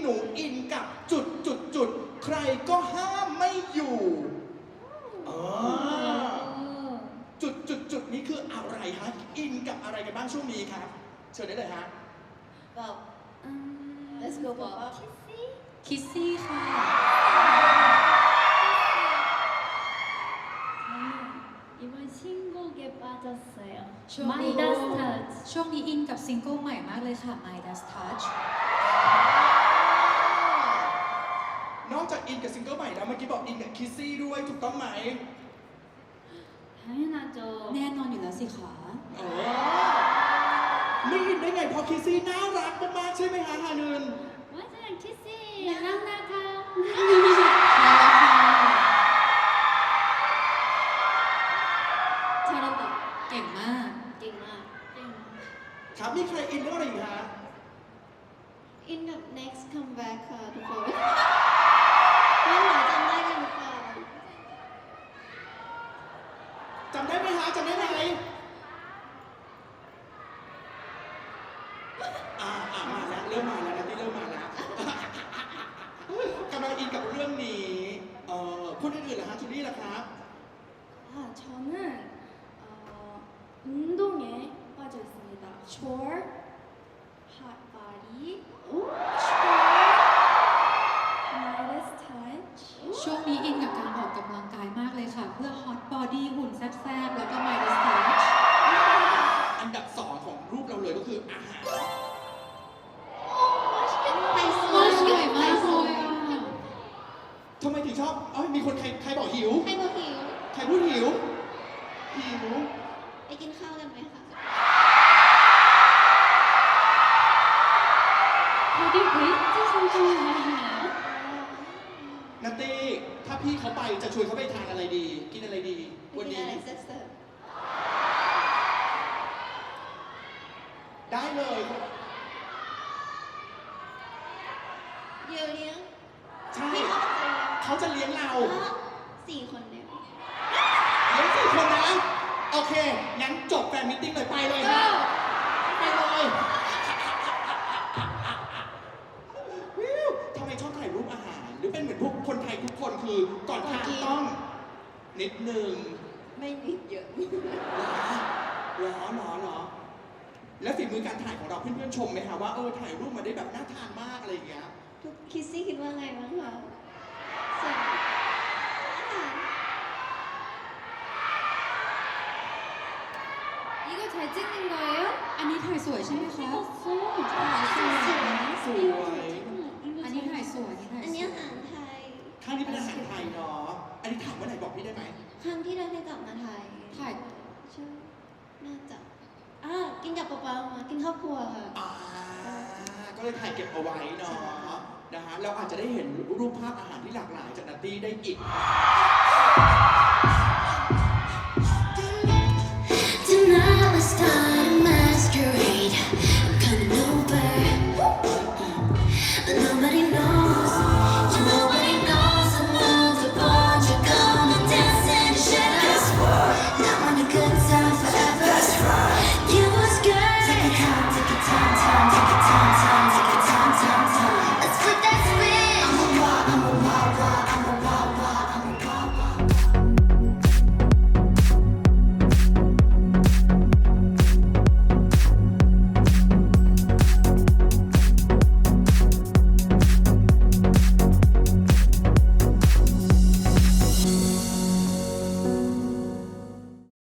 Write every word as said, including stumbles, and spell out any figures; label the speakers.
Speaker 1: นูอินกับจุดจุดจุดใครก็ห้ามไม่อยู่อ๋อจุดจุดจุดนี้คืออะไรฮะอินกับอะไรกันบ้างช่วงนี้ครับเชิญได้เลยฮะ
Speaker 2: Bob Let's go Bob
Speaker 3: คิสซี่ค่ะ
Speaker 4: 이번 신곡에 빠졌어요.
Speaker 3: ช่วง
Speaker 4: My
Speaker 3: นี้
Speaker 4: Dust Touch.
Speaker 3: ช่วงนี้อินกับซิงเกิลใหม่มากเลยค่ะ My Dust Touch
Speaker 1: นอกจากอินกับซิงเกิลใหม่แล้วเมื่อกี้บอกอินกับคิสซี่ด้วยถูกต้องไหม
Speaker 4: 당연하죠.
Speaker 3: แน่นอนอยู่แล้วสิคะ
Speaker 1: อ๋อไม่อินได้ไงเพราะคิสซี่น่ารักมากๆใช่ไหมฮะฮานึน
Speaker 4: 맞아요. 키스. 랑나카.
Speaker 3: ใช่แล้วค่ะ
Speaker 2: 잘한다
Speaker 3: เก่งมาก
Speaker 2: 띵아
Speaker 1: ครับมีใครอินเรื่องอะไรอีกฮะ
Speaker 2: In the next comeback ค่ะทุกคนไม่หมายจำได้กันหรือเปล่า
Speaker 1: จำได้ไหมฮะจำได้ไหมอ่าอ่ามาแล้วเริ่มมาแล้วนะที่เริ่มมาแล้วกำลังอินกับเรื่องนี้เอ่อคนอื่นๆล่ะฮะจูลี่ล่ะครับ
Speaker 2: 아 저는 어, 운동에 빠져 있습니다. chore, hot body, chore, Midas touch.
Speaker 3: ช่วงนี้อินกับการออกกำลังกายมากเลยค่ะ เพื่อ Hot Body หุ่นแซ่บๆ แล้วก็ My Dust Touch
Speaker 1: อันดับสองของรูปเราเลยก็คืออาหาร
Speaker 2: 맛있겠다.
Speaker 3: อร่อยมากเลยอะ
Speaker 1: ทำไมถึงชอบเอ้ยมีคนใครใครบอกหิว
Speaker 2: ให้บอกหิว
Speaker 1: ใครพูดหิว หิว
Speaker 2: ไปกินข้าวกันไหมคะ
Speaker 4: 어디 데이트 신청을 하시나요?
Speaker 1: นัตตี้ถ้าพี่เขาไปจะชวนเขาไปทานอะไรดี กินอะไรดี
Speaker 2: ไป
Speaker 1: วัน
Speaker 2: กิน
Speaker 1: นี้
Speaker 2: อะไรแซ่บ
Speaker 1: ได้เลย
Speaker 2: ๆเดี๋ยวเลี้ยง
Speaker 1: ใช่
Speaker 2: พี่เขาจะเลี้ยง
Speaker 1: เขาจะเลี้ยงเรา
Speaker 2: อ๋อสี่คนเนี่ย
Speaker 1: เลี้ยงสี่คนนะ โอเค งั้นจบแฟนมิทติ้งเลยไปเลยฮะไปเลยวิวทำไมชอบถ่ายรูปอาหาร หรือเป็นเหมือนพวกคนไทยทุกคนคือก่อนทานต้องนิดนึง
Speaker 2: ไม่นิดเยอะ
Speaker 1: หรอหรอหรอ แล้วฝีมือการถ่ายของเราเพื่อนๆชมไหมคะว่าเออถ่ายรูปมาได้แบบน่าทานมากอะไรอย่างเงี้ย
Speaker 2: ทุกคิสซี่คิดว่าไงบ้างคะสวยน่าทาน
Speaker 4: 이거 잘 찍는 거예요?
Speaker 3: อันนี้ถ่ายสวยใช่ไหมคะ
Speaker 4: 찍었어.
Speaker 3: ถ่ายสวยนะ
Speaker 1: สวย
Speaker 3: อันนี้ถ่ายสวยอันนี้ถ่าย
Speaker 2: อัน
Speaker 3: ส
Speaker 2: นี้
Speaker 3: วย
Speaker 2: อาหารไทย
Speaker 1: ข้างนี้เป็นอาหารไทยเนาะ อันนี้ถามเมื่อไหร่บอกพี่ได้ไหม
Speaker 2: ครั้งที่เราได้กลับมาไทย
Speaker 3: ถ่าย
Speaker 2: ใช่น่าจะอ่ากินกับป๊าป๊ามากินครอบครัวค่ะ
Speaker 1: อ่า ก็เลยถ่ายเก็บเอาไว้เนาะ นะฮะ เราอาจจะได้เห็นรูปภาพอาหารที่หลากหลายจากนัตตี้ได้อีก